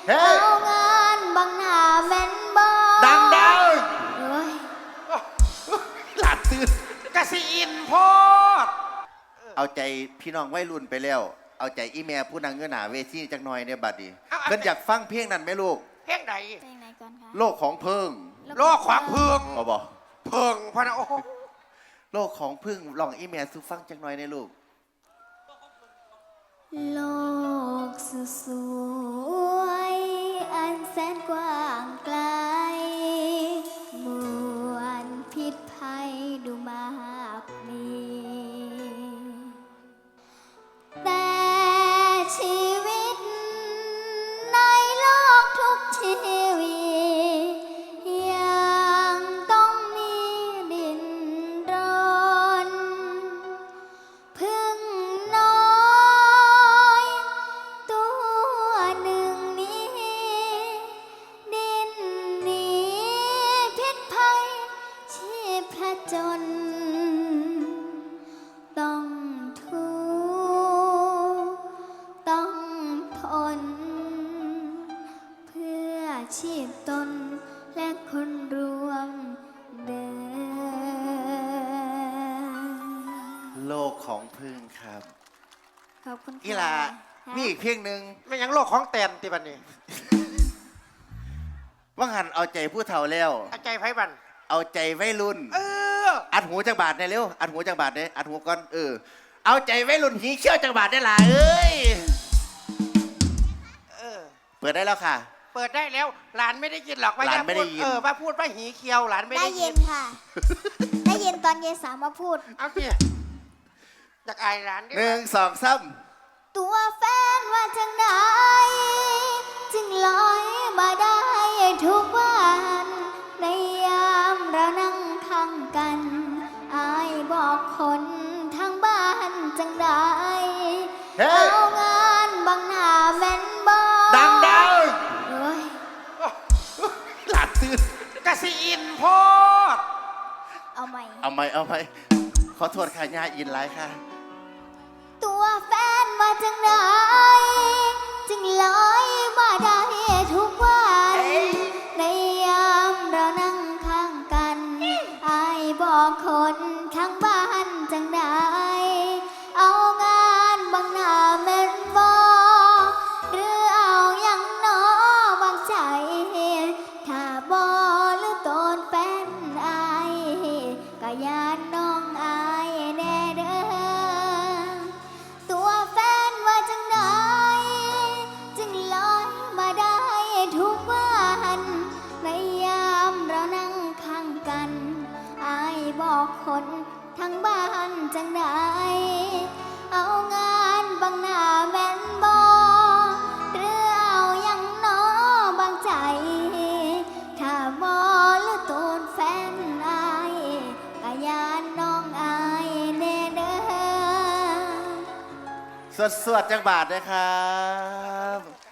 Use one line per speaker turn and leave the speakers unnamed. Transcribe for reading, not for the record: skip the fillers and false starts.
เอางานบางหน้าแม่นบ่
ดังเ
อ้ย
หลาดตื่น
กสิอินโพด
เอาใจพี่น้องวัยรุ่นไปแล้วเอาใจอีแม่ผู้นางเงื้อหนาเวทีจักหน่อยเนี่ยบัดนี้เพิ่นอยากฟังเพลงนั้นไหมลูก
เพลงไหน
เพลงไหนก่อนคะ
โลกของเพิ่ง
โลกของพึ่ง
บอก
พึ่งพะนะโอ้
โลกของพึ่งลองอีแม่สุฟังจักหน่อยในลูก
โลกสวยอันแสนกว้างไกลมวลพิษภัยดูมากมีแต่ชีวิตในโลกทุกชีวิตยังต้องมีดินรนพึ่งน้อยตัวหนึ่งนี้ดินหนีพิษภัยชีพจนต้องทุกข์ต้องทนเพื่อชีพตนและคนรวมเดิน
โลกของพึ่งครับ
ขอบคุณค่ะ
อีหลามีอีกเพลงหนึ่ง
ไม่ยังโลกของแตนติบันนี่
ว่าหันเอาใจผู้เฒ่าแล้ว
เอาใจไพ่บัน
เอาใจวัยรุ่นอัดหูจังบาทเนี่ยเร็วอัดหูจังบาทเนี่ยอัดหูก่อนเอาใจวัยรุ่นหีเขี้ยวจังบาทได้ล่ะเอ้ยเปิดได้แล้วค่ะ
เปิดได้แล้วหลานไม่ได้ยินหรอกว่า
หลานไม่ได้ยิน
ว่าพูดว่าหีเคียวหลานไม่ได้ยิน
ค่ะได้ยินตอนยายสาวมาพูด
เอาสิอยากอายหลาน
หนึ่งสองสาม
ตัวแฟนว่าจังไหนจึงลอยมาได้ทุกวันในยามเรานั่งข้างกันอายบอกคนทางบ้านจังได้เอางานบางหน้าแม่นบ่
ดัง
เอ้ย
หลาดตื่น
กสิอินโพด
เอาใหม่
ขอโทษค่ะย่าอินไลฟ์ค่ะ
ตัวแฟนมาจังไหนจึงลอยมาได้ทุกวันในยามเรานั่งข้างกันอายบอกคนข้างบ้านจังได้เอางานบางหน้าแม่นบ่หรือเอาอย่างน้อบางใจถ้าบ่หรือตนแฟนอายก็ยานน้องอายแน่เด้อตัวแฟนว่าจังใดจึงลอยมาได้ทุกวันในยามเรานั่งข้างกันอายบอกคนทั้งบ้านจังใดเอางานบางหน้าแม่นบ่หรือเอาอย่างน้อบางใจถ้าบ่หรือตนแฟนอายก็ยานน้องอายแน่เด้อ
สวดจังบาทนะครับ